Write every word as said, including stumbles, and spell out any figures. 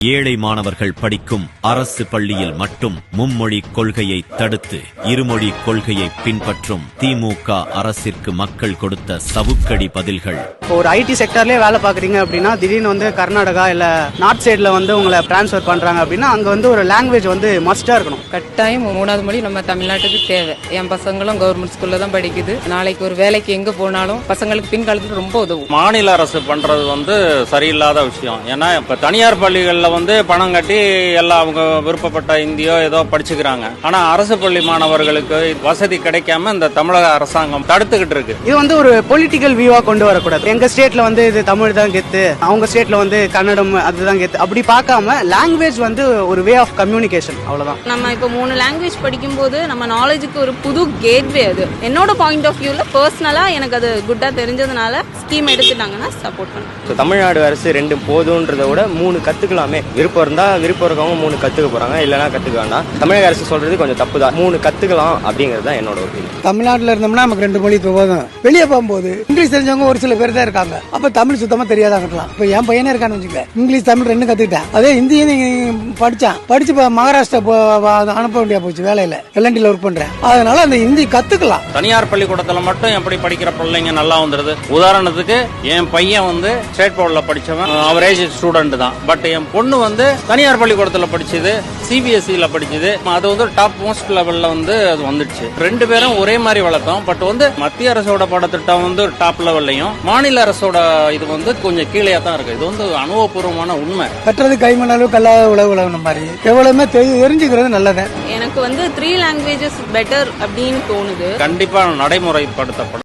ஏழை மாணவர்கள் படிக்கும் அரசு பள்ளியில் மட்டும் மும்மொழி கொள்கையை தடுத்து இருமொழி கொள்கையை பின்பற்றும் திமுக அரசிற்கு மக்கள் கொடுத்த சவுக்கடி பதில்கள். ஒரு ஐடி செக்டர்லயே வேலை பாக்குறீங்க அப்படின்னா திடீர்னு வந்து கர்நாடகா இல்ல நார்த் சைட்ல வந்து உங்களை டிரான்ஸ்ஃபர் பண்றாங்க அப்படின்னா அங்க வந்து ஒரு லாங்குவேஜ் வந்து மஸ்டா இருக்கணும். கட்டாயம் மூணாவது மொழி நம்ம தமிழ்நாட்டுக்கு தேவை. என் பசங்களும் கவர்மெண்ட் ஸ்கூல்ல தான் படிக்குது. நாளைக்கு ஒரு வேலைக்கு எங்க போனாலும் பசங்களுக்கு பின்காலத்துக்கு ரொம்ப உதவும். மாநில அரசு பண்றது வந்து சரியில்லாத விஷயம். ஏன்னா இப்ப தனியார் பள்ளிகள்ல வந்து பணம் கட்டி எல்லாம் அவங்க விருப்பப்பட்ட இந்தியோ ஏதோ படிச்சுக்கிறாங்க. ஆனா அரசு பள்ளி மாணவர்களுக்கு வசதி கிடைக்காம இந்த தமிழக அரசாங்கம் தடுத்துக்கிட்டு இருக்கு. இது வந்து ஒரு பொலிட்டிக்கல் வியூவா கொண்டு வரக்கூடாது. எங்க ஸ்டேட்ல வந்து இது தமிழ் தான் கெத்து, அவங்க ஸ்டேட்ல வந்து கன்னடம் அதுதான் கெத்து, அப்படி பார்க்காம லாங்குவேஜ் வந்து ஒரு வே ஆஃப் கம்யூனிகேஷன், அவ்வளவுதான். நம்ம இப்போ மூணு லாங்குவேஜ் படிக்கும் போது நம்ம நாலேஜுக்கு ஒரு புது கேட்வே. அது என்னோட பாயிண்ட் ஆஃப் வியூல பர்சனலா எனக்கு அது குட்டா தெரிஞ்சதுனால ஸ்கீம் எடுத்துட்டாங்கன்னா சப்போர்ட் பண்ணுவேன். தமிழ்நாடு அரசு ரெண்டு போதுன்றதை விட மூணு கத்துக்கலாமே. விருப்பம் இருந்தா விருப்பம் இருக்கவங்க மூணு கத்துக்க போறாங்க, இல்லைன்னா கத்துக்க வேண்டாம். தமிழக அரசு சொல்றது கொஞ்சம் தப்பு தான். மூணு கத்துக்கலாம் அப்படிங்கிறது தான் என்னோட ஒப்பீனியன். தமிழ்நாட்டில் இருந்தோம்னா நமக்கு ரெண்டு மொழி போதும். வெளியே போகும்போது இங்கிலீஷ் தெரிஞ்சவங்க ஒரு சில பேர் தான் இருக்காங்க. அப்ப தமிழ் சுத்தமா தெரியாதான் இருக்கலாம். இப்ப என் பையனே இருக்கான்னு வச்சுக்க, இங்கிலீஷ் தமிழ் ரெண்டு கத்துக்கிட்டேன். அதே ஹிந்தியும் படிச்சான், படிச்சு மகாராஷ்டிரா அனுப்ப வேண்டியா போச்சு வேலையில. எல்என்டில ஒர்க் பண்றேன், அதனால அந்த ஹிந்தி கத்துக்கலாம். தனியார் பள்ளிக்கூடத்துல மட்டும் எப்படி படிக்கிற பிள்ளைங்க நல்லா வந்துருது. உதாரணத்துக்கு என் பையன் வந்து ஸ்டேட் போர்ட்ல படிச்சவன், அவரேஜ் ஸ்டூடெண்ட் தான். பட் என் பொண்ணு வந்து தனியார் பள்ளிக்கூடத்துல படிச்சது, சிபிஎஸ்இல படிச்சது. அது வந்து டாப் மோஸ்ட் லெவல்ல வந்து அது வந்துடுச்சு. ரெண்டு பேரும் ஒரே மாதிரி வளர்த்தோம். பட் வந்து மத்திய அரசோட பாடத்திட்டம் வந்து டாப் லெவல்லையும் மாநில அரசோட இது வந்து கொஞ்சம் கீழே தான் இருக்கு. இது வந்து அனுபவபூர்வமான உண்மை. கற்றது கைமணாலு கல்லாத உழவு உழவுன மாதிரி எவ்வளவுமே தெரிஞ்சுக்கிறது நல்லது. எனக்கு வந்து த்ரீ லாங்குவேஜஸ் பெட்டர் அப்படின்னு தோணுது. கண்டிப்பா நடைமுறைப்படுத்தப்படும்.